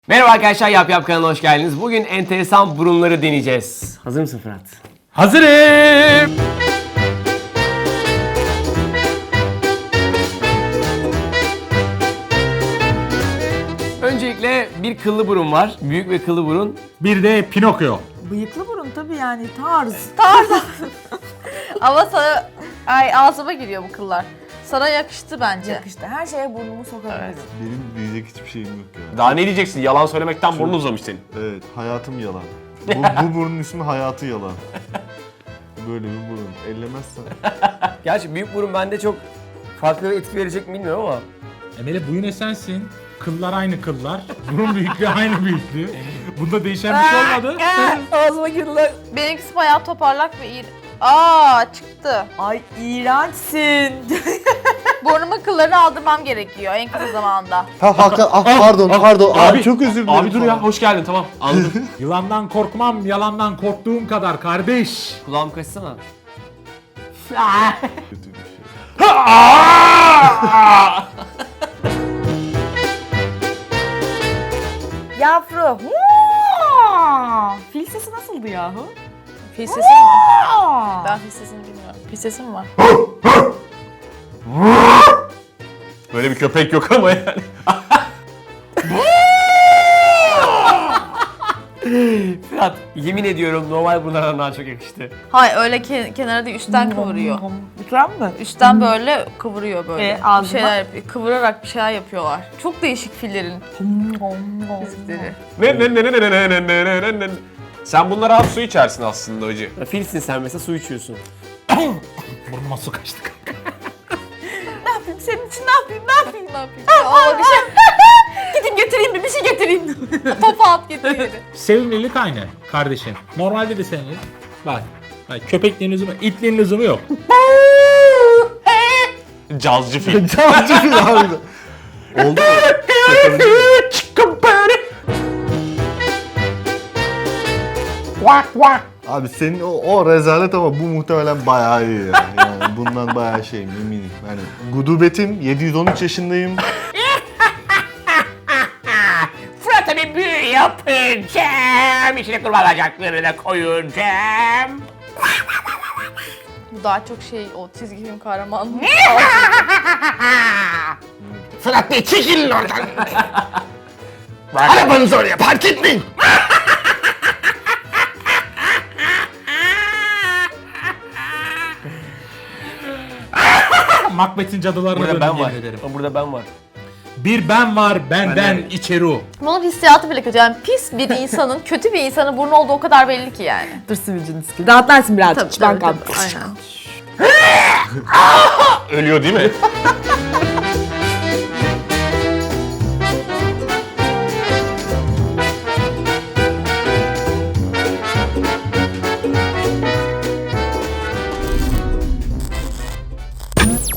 Merhaba arkadaşlar, Yap Yap kanalına hoş geldiniz. Bugün enteresan burunları deneyeceğiz. Hazır mısın Fırat? Hazırım. Öncelikle bir kıllı burun var. Büyük ve kıllı burun. Bir de Pinokyo. Bıyıklı burun tabii yani tarz. Ama sana ağzıma giriyor bu kıllar. Sana yakıştı bence. Yakıştı. Her şeye burnumu sokabilirim. Benim diyecek hiçbir şeyim yok ya. Daha ne diyeceksin? Yalan söylemekten burnun uzamış senin. Evet, hayatım yalan. Bu burnun ismi hayatı yalan. Böyle bir burun. Ellemezsen. Gerçi büyük burun bende çok farklı bir etki verecek mi bilmiyorum ama. Emeli bu yine sensin. Kıllar aynı kıllar. Burun büyüklüğü aynı büyüklüğü. Bunda değişen bir şey olmadı. Ağzıma girdiler. Benimkisi bayağı toparlak ve iyi. Aa çıktı. Ay iğrençsin. Burnumun kıllarını aldırmam gerekiyor en kısa zamanda. Ha Hakan, pardon. Abi çok özür dilerim. Abi dur ya, hoş geldin, tamam. Anladım. Yılandan korkmam, yalandan korktuğum kadar kardeş. Kulağım kaçsana. Kötü bir şey. Yavru. Fil sesi nasıldı yahu? Fil sesi mi? Ben fil sesini bilmiyorum. Fil sesi mi var? Böyle bir köpek yok ama yani. Fırat, yemin ediyorum normal burunlardan daha çok yakıştı. Hayır öyle kenara değil üstten kıvırıyor. Lütfen mi? Üstten böyle kıvırıyor böyle. Bir ağzına? şeyler yapıyor. Kıvırarak bir şeyler yapıyorlar. Çok değişik fillerin fizikleri. Ne. Sen bunlara az su içersin aslında hacı. Ya filsin sen mesela, su içiyorsun. Burnuma su kaçtı. Ne yapayım senin için ne yapayım ne yapayım ne yapayım. Ama bir şey Gideyim getireyim bir şey getireyim. topu at getiriyor. Sevimlilik aynı kardeşim. Normalde de sevimlilik. Bak. Köpekliğin lüzumu, itliğin lüzumu yok. Cazcı fil. Cavcı fil harbiden. Oldu mu? Abi senin o rezalet ama bu muhtemelen bayağı iyi ya. Yani bundan bayağı şeyim eminim. Yani gudubetim, 713 yaşındayım. Fırat'a bir büyü yapacağım. İçine kurban bacaklarını da koyacağım. Bu daha çok şey o çizgi film kahramanı. Fırat Bey çekilin oradan. Arabanızı oraya park etmeyin. Macbeth'in cadılarına Burada döndüm ben var. yemin ederim. Burada ben var. Bir ben var, benden Ben de- içeri. Bunun hissiyatı bile kötü. Yani pis bir insanın, kötü bir insanın burnu olduğu o kadar belli ki yani. Dur sivilcin skill. Rahatlarsın birazcık. Ben kaldım. Aynen. Ölüyor değil mi?